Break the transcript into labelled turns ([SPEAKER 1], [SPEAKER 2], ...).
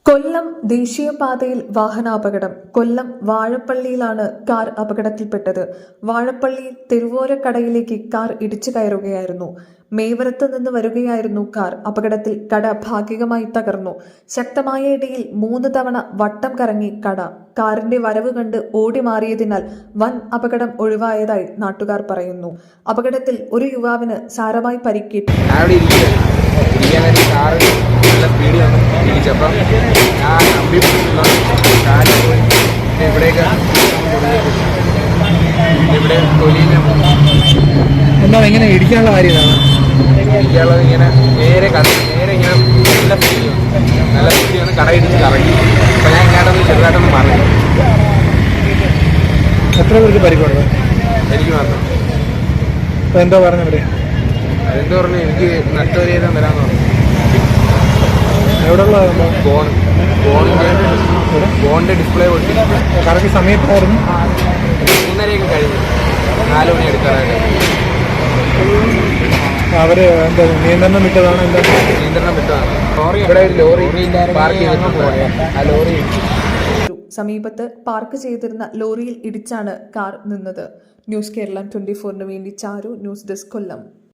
[SPEAKER 1] കൊല്ലം ദേശീയപാതയിൽ വാഹനാപകടം. കൊല്ലം വാഴപ്പള്ളിയിലാണ് കാർ അപകടത്തിൽപ്പെട്ടത്. വാഴപ്പള്ളി തെരുവോരക്കടയിലേക്ക് കാർ ഇടിച്ചു കയറുകയായിരുന്നു. മേവരത്ത് നിന്ന് വരികയായിരുന്നു കാർ. അപകടത്തിൽ കട ഭാഗികമായി തകർന്നു. ശക്തമായ ഇടിയിൽ 3 തവണ വട്ടം കറങ്ങി കട. കാറിന്റെ വരവ് കണ്ട് ഓടി മാറിയതിനാൽ വൻ അപകടം ഒഴിവായതായി നാട്ടുകാർ പറയുന്നു. അപകടത്തിൽ ഒരു യുവാവിന് സാരമായി പരിക്കേറ്റു.
[SPEAKER 2] എന്താ എങ്ങനെ ഇടിക്കാനുള്ള കാര്യം
[SPEAKER 3] ഇടിക്കാനുള്ളത് ഇങ്ങനെ നേരെ ഇങ്ങനെ നല്ല സ്പീഡ് വന്ന് കട ഇടിച്ച് കറങ്ങി. അപ്പം ഞാൻ ഇങ്ങോട്ടൊന്ന് ചെറുതായിട്ടൊന്ന് മാറി.
[SPEAKER 2] എത്ര പേർക്ക് പരിക്കുണ്ട്?
[SPEAKER 3] എനിക്ക് മാത്രം.
[SPEAKER 2] അപ്പം എന്താ പറഞ്ഞവര്?
[SPEAKER 3] അതെന്താ പറഞ്ഞു, എനിക്ക് നഷ്ടപരിഹാരം തരാമെന്ന് പറഞ്ഞു.
[SPEAKER 2] എവിടെയുള്ള
[SPEAKER 3] ഫോണിൻ്റെ ഡിസ്പ്ലേ പൊട്ടി.
[SPEAKER 2] കറക്റ്റ് സമയത്തായിരുന്നു
[SPEAKER 3] 3:30 കഴിഞ്ഞു. 4 മണി എടുക്കാറായിട്ട്.
[SPEAKER 2] അവര് എന്താ നിയന്ത്രണം വിട്ടതാണ്? എന്താ
[SPEAKER 3] നിയന്ത്രണം വിട്ടതാണ്. ഇവിടെ ഒരു ലോറി പാർക്ക് ചെയ്തിട്ടുണ്ട്. ആ ലോറി
[SPEAKER 1] സമീപത്ത് പാർക്ക് ചെയ്തിരുന്ന ലോറിയിൽ ഇടിച്ചാണ് കാർ നിന്നത്. ന്യൂസ് കേരളം 24 വേണ്ടി ചാരു. ന്യൂസ് ഡെസ്ക്, കൊല്ലം.